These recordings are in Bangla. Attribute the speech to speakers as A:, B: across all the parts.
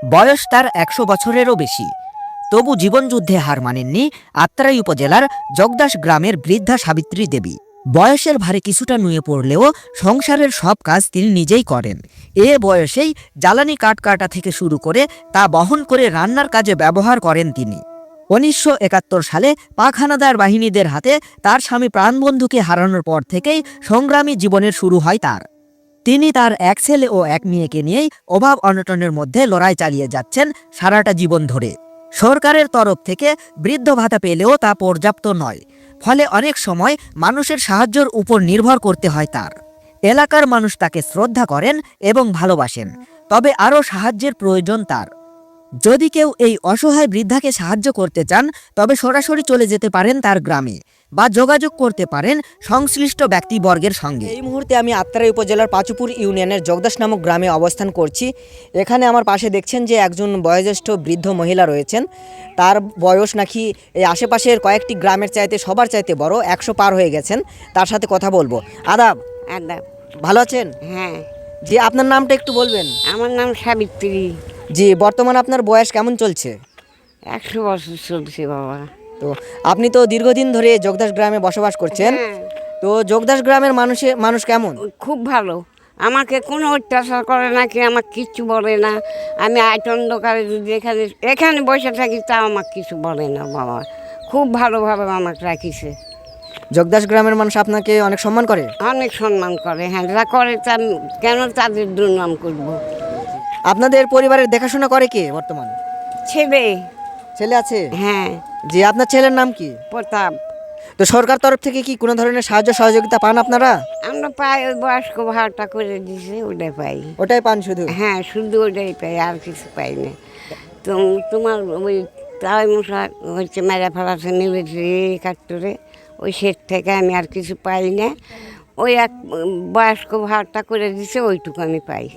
A: বয়স তার ১০০ বছরেরও বেশি। তবু জীবনযুদ্ধে হার মানেননি আত্রাই উপজেলার জগদাস গ্রামের বৃদ্ধা সাবিত্রী দেবী। বয়সের ভারে কিছুটা নুয়ে পড়লেও সংসারের সব কাজ তিনি নিজেই করেন। এ বয়সেই জ্বালানি কাঠ কাটা থেকে শুরু করে তা বহন করে রান্নার কাজে ব্যবহার করেন তিনি। ১৯৭১ সালে পাক হানাদার বাহিনীদের হাতে তার স্বামী প্রাণবন্ধুকে হারানোর পর থেকেই সংগ্রামী জীবনের শুরু হয় তার। তিনি তার এক ছেলে ও এক মেয়েকে নিয়েই অভাব অনটনের মধ্যে লড়াই চালিয়ে যাচ্ছেন সারাটা জীবন ধরে। সরকারের তরফ থেকে বৃদ্ধ ভাতা পেলেও তা পর্যাপ্ত নয়, ফলে অনেক সময় মানুষের সাহায্যের উপর নির্ভর করতে হয় তার। এলাকার মানুষ তাকে শ্রদ্ধা করেন এবং ভালোবাসেন, তবে আরও সাহায্যের প্রয়োজন তার। যদি কেউ এই অসহায় বৃদ্ধাকে সাহায্য করতে চান তবে সরাসরি চলে যেতে পারেন তার গ্রামে বা যোগাযোগ করতে পারেন সংশ্লিষ্ট ব্যক্তিবর্গের সঙ্গে। এই মুহূর্তে আমি আত্রাই উপজেলার পাচুপুর ইউনিয়নের জগদাস নামক গ্রামে অবস্থান করছি। এখানে আমার পাশে দেখছেন যে একজন বয়োজ্যেষ্ঠ বৃদ্ধ মহিলা রয়েছেন। তার বয়স নাকি এই আশেপাশের কয়েকটি গ্রামের চাইতে সবার চাইতে বড়, ১০০ পার হয়ে গেছেন। তার সাথে কথা বলবো। আদাব।
B: আদাব।
A: ভালো আছেন?
B: হ্যাঁ,
A: জি, আপনার নামটা একটু বলবেন?
B: আমার নাম সাবিত্রী।
A: জি, বর্তমানে আপনার বয়স কেমন চলছে?
B: ১০০ বছর চলছে বাবা।
A: তো আপনি তো দীর্ঘদিন ধরে জগদাস গ্রামে বসবাস করছেন।
B: হ্যাঁ,
A: তো জগদাস গ্রামের মানুষ কেমন?
B: খুব ভালো। আমাকে কোনো অত্যাচার করে না, কি আমাকে কিচ্ছু বলে না। আমি অন্ধকারে যদি এখানে বসে থাকি তা আমাকে কিছু বলে না বাবা। খুব ভালোভাবে আমাকে রাখিছে।
A: জগদাস গ্রামের মানুষ আপনাকে অনেক সম্মান করে?
B: অনেক সম্মান করে। হ্যাঁ, যা করে তা কেন তাদের দুর্নাম করবো।
A: আপনাদের পরিবারের দেখাশোনা করে কে বর্তমান?
B: ছেলে।
A: ছেলে আছে?
B: হ্যাঁ,
A: জি, আপনার ছেলের নাম কি?
B: প্রতাপ।
A: তো সরকার তরফ থেকে কি কোনো ধরনের সাহায্য সহযোগিতা পান আপনারা?
B: আমরা পাই, ওই বয়স্ক ভাড়াটা করে দিছে, ওটাই পাই।
A: ওটাই পান শুধু?
B: হ্যাঁ, শুধু ওটাই পাই, আর কিছু পাই না। তো তোমার ওই তাই মশা হচ্ছে মেরা ফেলাতে নেমেছে ৭১, ওই সেট থেকে আমি আর কিছু পাই না। ওই এক বয়স্ক ভাড়াটা করে দিছে, ওইটুকু আমি পাই।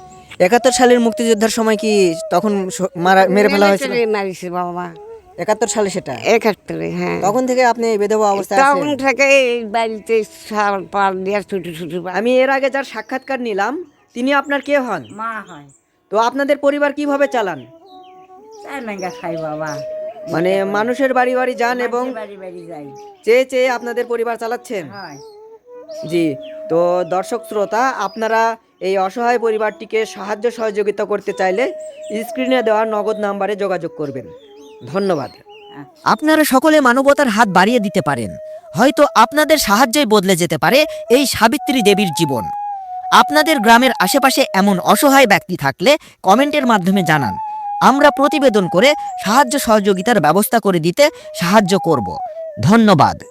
A: ৭১ সালের মুক্তিযোদ্ধার সময় কি তখন মেরে ফেলা হয়েছিল?
B: মারিছে বাবা।
A: ৭১ সালে সেটা?
B: ৭১, হ্যাঁ।
A: তখন থেকে আপনি বিধবা অবস্থায়
B: তখন
A: আছেন?
B: থেকে এই বাড়িতে সার পাল দিয়ে ছোটো ছোটো
A: আমি এর আগে যার সাক্ষাৎকার নিলাম তিনি আপনার কে হন?
B: মা হয়।
A: তো আপনাদের পরিবার কিভাবে চালান?
B: তাই না খাই বাবা,
A: মানে মানুষের বাড়ি বাড়ি যান এবং
B: বাড়ি বাড়ি যাই।
A: চেয়ে চেয়ে আপনাদের পরিবার চালাচ্ছেন?
B: হয়।
A: জি। তো দর্শক শ্রোতা, আপনারা এই অসহায় পরিবারটিকে সাহায্য সহযোগিতা করতে চাইলে স্ক্রিনে দেওয়া নগদ নাম্বারে যোগাযোগ করবেন। ধন্যবাদ। আপনারা সকলে মানবতার হাত বাড়িয়ে দিতে পারেন। হয়তো আপনাদের সাহায্যই বদলে যেতে পারে এই সাবিত্রী দেবীর জীবন। আপনাদের গ্রামের আশেপাশে এমন অসহায় ব্যক্তি থাকলে কমেন্টের মাধ্যমে জানান। আমরা প্রতিবেদন করে সাহায্য সহযোগিতার ব্যবস্থা করে দিতে সাহায্য করব। ধন্যবাদ।